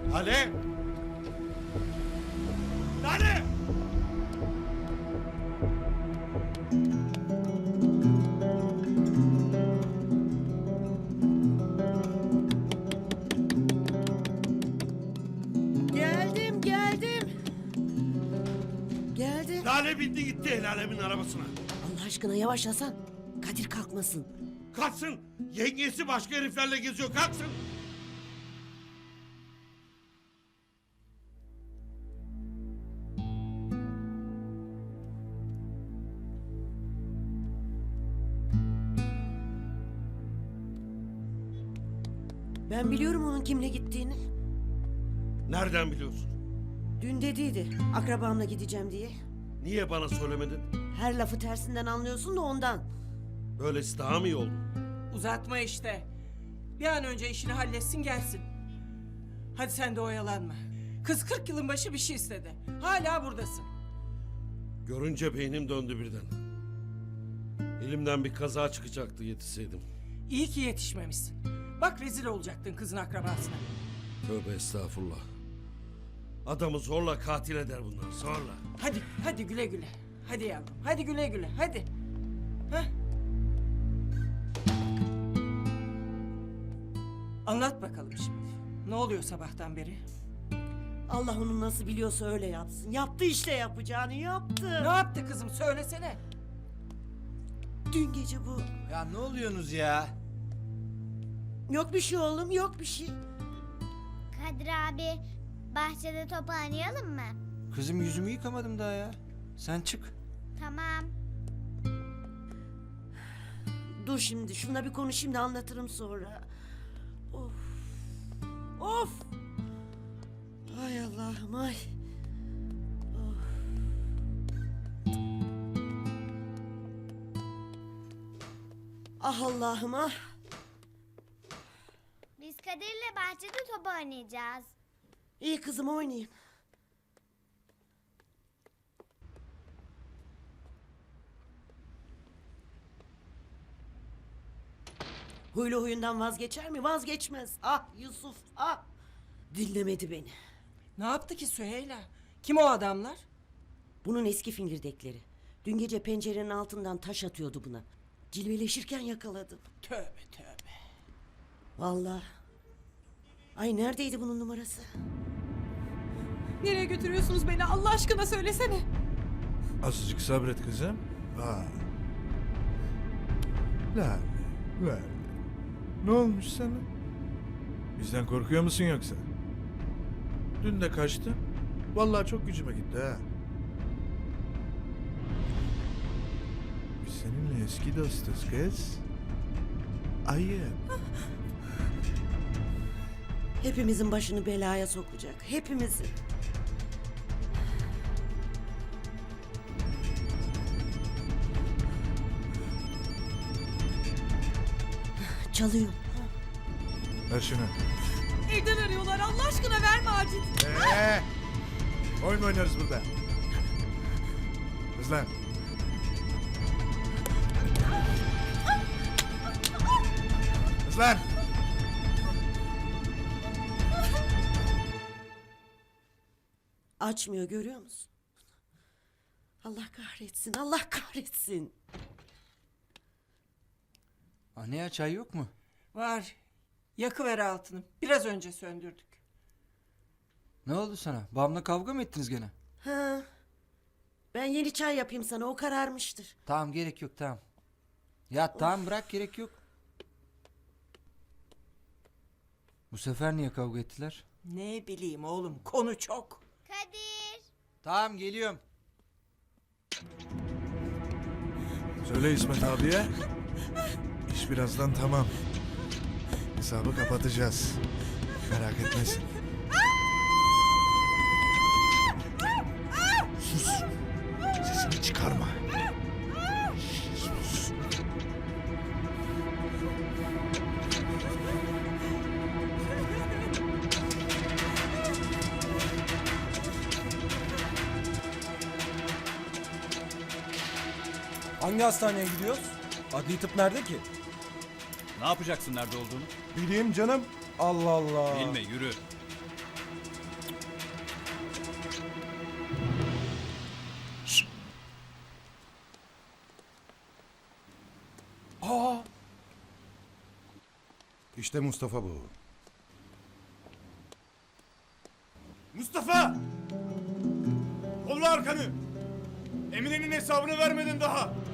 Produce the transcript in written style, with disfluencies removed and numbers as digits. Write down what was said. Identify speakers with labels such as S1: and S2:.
S1: Lale! Lale!
S2: Geldim. Geldim.
S1: Lale bindi gitti el alemin arabasına.
S2: Allah aşkına yavaş Hasan. Kadir kalkmasın.
S1: Kalksın. Yengesi başka heriflerle geziyor. Kalksın.
S2: Ben biliyorum onun kimle gittiğini.
S1: Nereden biliyorsun?
S2: Dün dediydi akrabamla gideceğim diye.
S1: Niye bana söylemedin?
S2: Her lafı tersinden anlıyorsun da ondan.
S1: Böylesi daha mı iyi oldu?
S3: Uzatma işte. Bir an önce işini halletsin gelsin. Hadi sen de oyalanma. Kız 40 yılın başı bir şey istedi. Hala buradasın.
S1: Görünce beynim döndü birden. Elimden bir kaza çıkacaktı yetişseydim.
S3: İyi ki yetişmemişsin. Bak rezil olacaktın kızın akrabasına.
S1: Tövbe estağfurullah. Adamı zorla katil eder bunlar, zorla.
S3: Hadi güle güle. Hadi yavrum, hadi güle güle, hadi. Heh. Anlat bakalım şimdi. Ne oluyor sabahtan beri?
S2: Allah onu nasıl biliyorsa öyle yapsın. Yaptı işte yapacağını yaptı.
S3: Ne yaptı kızım söylesene.
S2: Dün gece bu.
S4: Ya ne oluyorsunuz ya?
S2: Yok bir şey oğlum yok bir şey.
S5: Kadir abi, bahçede top oynayalım mı?
S4: Kızım yüzümü yıkamadım daha ya. Sen çık.
S5: Tamam.
S2: Dur şimdi şununla bir konuşayım da anlatırım sonra. Of. Of. Ay Allah'ım ay. Of. Ah Allah'ım ah.
S5: Biz Kadir'le bahçede top oynayacağız.
S2: İyi kızım oynayayım. Huylu huyundan vazgeçer mi? Vazgeçmez. Ah Yusuf ah. Dinlemedi beni.
S3: Ne yaptı ki Süheyla? Kim o adamlar?
S2: Bunun eski fingirdekleri. Dün gece pencerenin altından taş atıyordu buna. Cilveleşirken yakaladım.
S3: Tövbe tövbe.
S2: Vallahi. Ay neredeydi bunun numarası?
S6: Nereye götürüyorsunuz beni Allah aşkına söylesene.
S7: Azıcık sabret kızım. Aa. Lale. Ne olmuş sana? Bizden korkuyor musun yoksa? Dün de kaçtın. Vallahi çok gücüme gitti ha. Biz seninle eski dostuz kız. Ayıp.
S2: Hepimizin başını belaya sokacak. Hepimizin. Çalıyor.
S7: Ver şunu.
S6: Evden arıyorlar Allah aşkına verme acil.
S7: Oyun mu oynarız burada? Kız lan. Kız lan.
S2: Açmıyor görüyor musun? Allah kahretsin, Allah kahretsin.
S4: Anne ya çay yok mu?
S3: Var. Yakıver altını. Biraz önce söndürdük.
S4: Ne oldu sana? Babamla kavga mı ettiniz gene?
S2: Ha. Ben yeni çay yapayım sana, o kararmıştır.
S4: Tamam gerek yok tamam. Ya tamam bırak gerek yok. Bu sefer niye kavga ettiler?
S3: Ne bileyim oğlum konu çok.
S5: Kadir.
S4: Tamam geliyorum.
S7: Söyle İsmet abiye. İş birazdan tamam. Hesabı kapatacağız. Merak etmesin. Sus. Sesini çıkarma. Sus.
S8: Hangi hastaneye gidiyoruz? Adli tıp nerede ki?
S9: Ne yapacaksın nerede olduğunu?
S8: Bileyim canım. Allah Allah.
S9: Bilme yürü. İşte Mustafa bu.
S10: Mustafa! Kolla arkanı! Emine'nin hesabını vermedin daha.